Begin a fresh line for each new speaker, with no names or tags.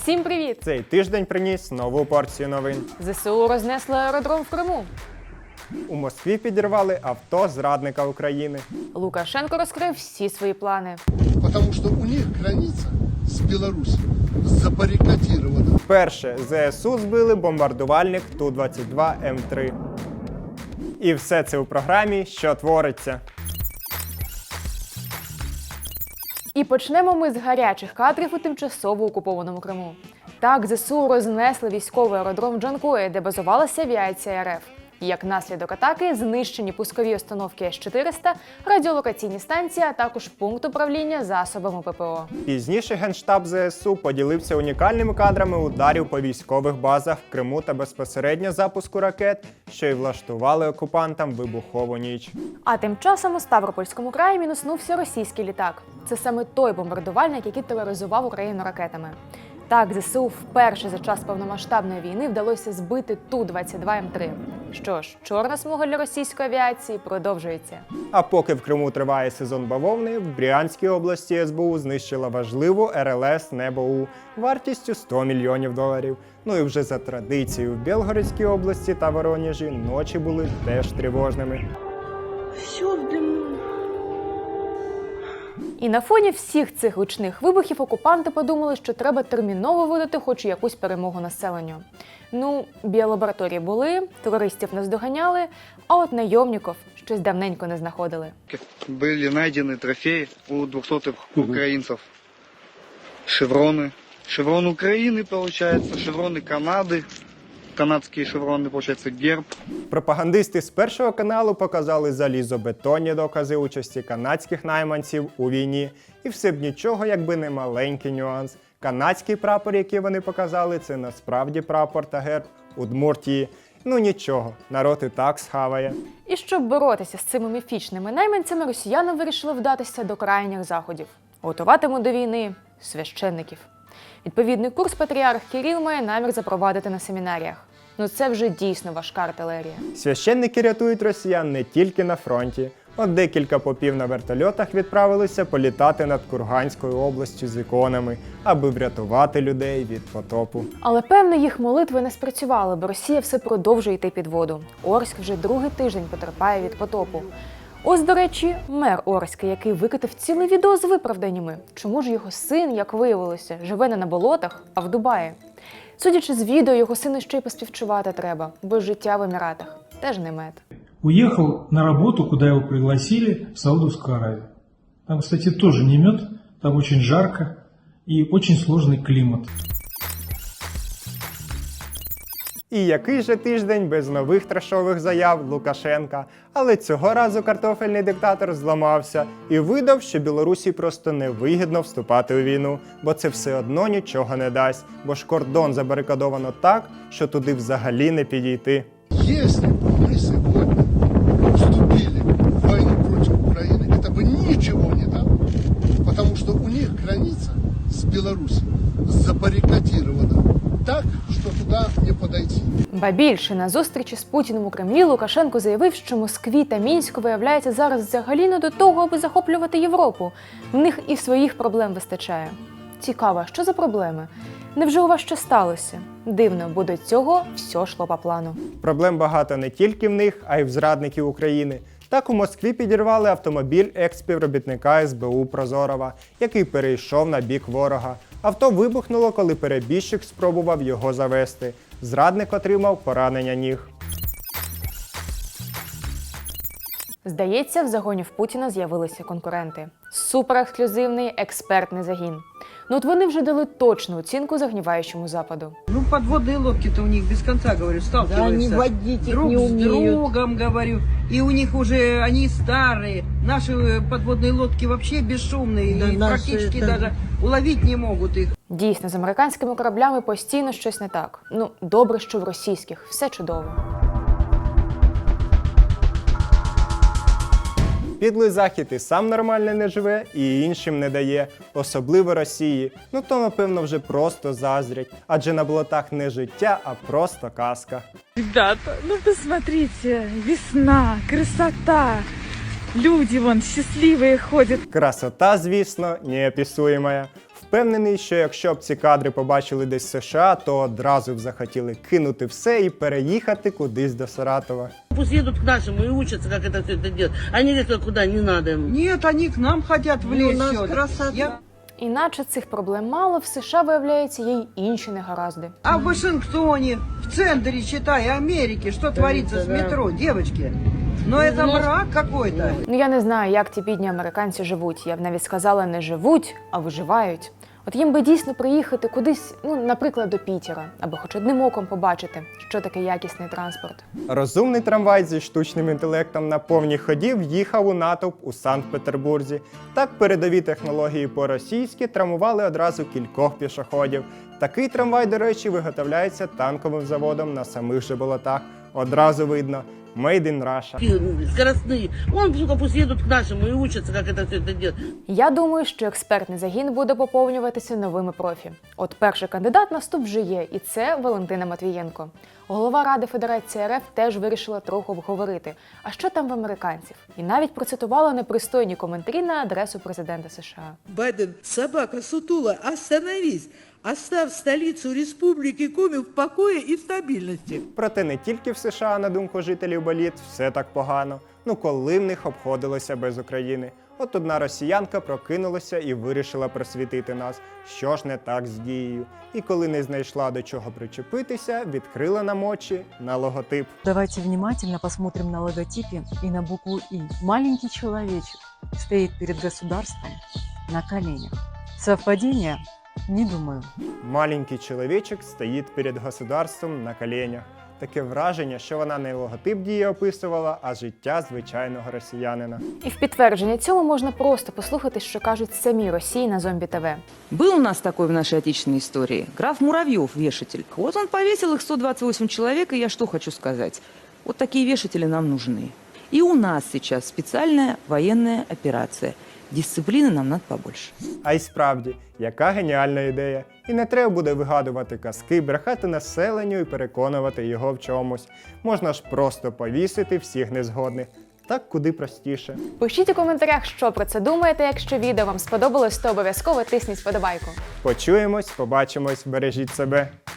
Всім привіт!
Цей тиждень приніс нову порцію новин.
ЗСУ рознесли аеродром в Криму.
У Москві підірвали авто зрадника України.
Лукашенко розкрив всі свої плани.
Потому что у них граница с Беларусью забаррикадирована.
Вперше ЗСУ збили бомбардувальник Ту-22 М3. І все це у програмі «Що твориться?».
І почнемо ми з гарячих кадрів у тимчасово окупованому Криму. Так, ЗСУ рознесли військовий аеродром в Джанкої, де базувалася авіація РФ. Як наслідок атаки знищені пускові установки С-400, радіолокаційні станції, а також пункт управління засобами ППО.
Пізніше Генштаб ЗСУ поділився унікальними кадрами ударів по військових базах в Криму та безпосередньо запуску ракет, що й влаштували окупантам вибухову ніч.
А тим часом у Ставропольському краї мінуснувся російський літак. Це саме той бомбардувальник, який тероризував Україну ракетами. Так, ЗСУ вперше за час повномасштабної війни вдалося збити Ту-22 М3. Що ж, чорна смуга для російської авіації продовжується.
А поки в Криму триває сезон бавовни, в Брянській області СБУ знищила важливу РЛС «Небо-У» вартістю $100 мільйонів. Ну і вже за традицією в Білгородській області та Воронежі ночі були теж тривожними.
І на фоні всіх цих гучних вибухів окупанти подумали, що треба терміново видати хоч якусь перемогу населенню. Ну, біолабораторії були, терористів наздоганяли, а от найомників щось давненько не знаходили.
Были найдены трофеи у 200-х украинцев. Шевроны. Шеврон Украины, получается, шевроны Канады. Канадские шевроны, получается, герб.
Пропагандисти з Першого каналу показали залізобетонні докази участі канадських найманців у війні. І все б нічого, якби не маленький нюанс. Канадський прапор, який вони показали, це насправді прапор та герб Удмуртії. Ну нічого, народ і так схаває.
І щоб боротися з цими міфічними найманцями, росіяни вирішили вдатися до крайніх заходів. Готуватимуть до війни священників. Відповідний курс патріарх Кирил має намір запровадити на семінаріях. Ну це вже дійсно важка артилерія.
Священники рятують росіян не тільки на фронті. От декілька попів на вертольотах відправилися політати над Курганською областю з іконами, аби врятувати людей від потопу.
Але певно їх молитви не спрацювали, бо Росія все продовжує йти під воду. Орськ вже другий тиждень потерпає від потопу. Ось, до речі, мер Орська, який викотив ціле відео з виправданнями. Чому ж його син, як виявилося, живе не на болотах, а в Дубаї? Судячи з відео, його сину ще й поспівчувати треба, бо життя в Еміратах теж не мед.
Уехал на работу, куда его пригласили, в Саудовскую Аравию. Там, кстати, тоже не мед, там очень жарко и очень сложный климат.
І який же тиждень без нових трешових заяв Лукашенка. Але цього разу картофельний диктатор зламався і видав, що Білорусі просто невигідно вступати у війну, бо це все одно нічого не дасть, бо ж кордон забарикадовано так, що туди взагалі не підійти.
Если бы мы сегодня вступили в войну против Украины, это бы ничего не дало. Потому что у них граница с Беларусью забаррикадирована так, що туди не подойти.
Ба більше, на зустрічі з Путіним у Кремлі Лукашенко заявив, що Москві та Мінську виявляється зараз взагалі не до того, аби захоплювати Європу. В них і своїх проблем вистачає. Цікаво, що за проблеми? Невже у вас що сталося? Дивно, бо до цього все йшло по плану.
Проблем багато не тільки в них, а й в зрадників України. Так у Москві підірвали автомобіль екс-співробітника СБУ Прозорова, який перейшов на бік ворога. Авто вибухнуло, коли перебіжчик спробував його завести. Зрадник отримав поранення ніг.
Здається, в загоні в Путіна з'явилися конкуренти. Суперексклюзивний експертний загін. Ну от вони вже дали точну оцінку загніваючому Западу.
Ну, подводные лодки-то у них без конца, говорю, сталкиваются.
Да, они водить их
друг
не
с
умеют.
другом, говорю. И у них уже, они старые. Наши подводные лодки вообще бесшумные.
Да,
и
наши
практически
это-
даже уловить не могут их.
Дійсно, з американськими кораблями постійно щось не так. Ну, добре, що в російських все чудово.
Підлий Захід і сам нормально не живе, і іншим не дає, особливо Росії. Ну то, напевно, вже просто заздрять, адже на болотах не життя, а просто казка.
Ребята, ну посмотрите, весна, красота. Люди вон счастливые ходят.
Красота, звісно, неописуєма. В Впевнений, що якщо б ці кадри побачили десь в США, то одразу б захотіли кинути все і переїхати кудись до Саратова.
Пусть едут к нашему и учатся, как это все это делать. Они лезут куда не надо.
Нет, они к нам хотят влезть.
у нас
сюда.
красота.
Іначе цих проблем мало, в США, виявляється, є й інші негаразди.
А в Вашингтоне, в центре, считай, Америки, что творится с метро, девочки? Но это мрак какой-то.
Ну я не знаю, як ті бідні американці живуть. Я б навіть сказала, не живуть, а виживають. От їм би дійсно приїхати кудись, ну, наприклад, до Пітера, аби хоч одним оком побачити, що таке якісний транспорт.
Розумний трамвай зі штучним інтелектом на повній ході в'їхав у натовп у Санкт-Петербурзі. Так передові технології по-російськи травмували одразу кількох пішоходів. Такий трамвай, до речі, виготовляється танковим заводом на самих же болотах. Одразу видно – Made in Russia.
Скоростные. Сука, пусть едут к нашему и учатся, как это все это делать.
Я думаю, що експертний загін буде поповнюватися новими профі. От перший кандидат на вступ вже є, і це Валентина Матвієнко. Голова Ради Федерації РФ теж вирішила трохи обговорити, а що там в американців. І навіть процитувала непристойні коментарі на адресу президента США.
Байден, собака сутула, остановись! Оставь столицу республики Коми в покое и стабильности.
Проте не тільки в США, на думку жителів боліт, все так погано. Ну коли в них обходилося без України? От одна росіянка прокинулася і вирішила просвітити нас, що ж не так з дією. І коли не знайшла до чого причепитися, відкрила нам очі на логотип.
Давайте внимательно посмотрим на логотипе и на букву «И». Маленький человечек стоит перед государством на коленях. Совпадение? Не думаю.
Маленький чоловічок стоїть перед государством на коленях. Таке враження, що вона не логотип дії описувала, а життя звичайного росіянина.
І в підтвердження цьому можна просто послухати, що кажуть самі Росії на Зомбі ТВ.
Был у нас такой в нашей отечественной истории. Граф Муравьев, вешатель. Вот он повесил их 128 человек, и я что хочу сказать. Вот такие вешатели нам нужны. И у нас сейчас специальная военная операция. Дисципліни нам надо побольше.
А й справді, яка геніальна ідея. І не треба буде вигадувати казки, брехати населенню і переконувати його в чомусь. Можна ж просто повісити всіх незгодних. Так куди простіше.
Пишіть у коментарях, що про це думаєте. Якщо відео вам сподобалось, то обов'язково тисніть вподобайку.
Почуємось, побачимось, бережіть себе.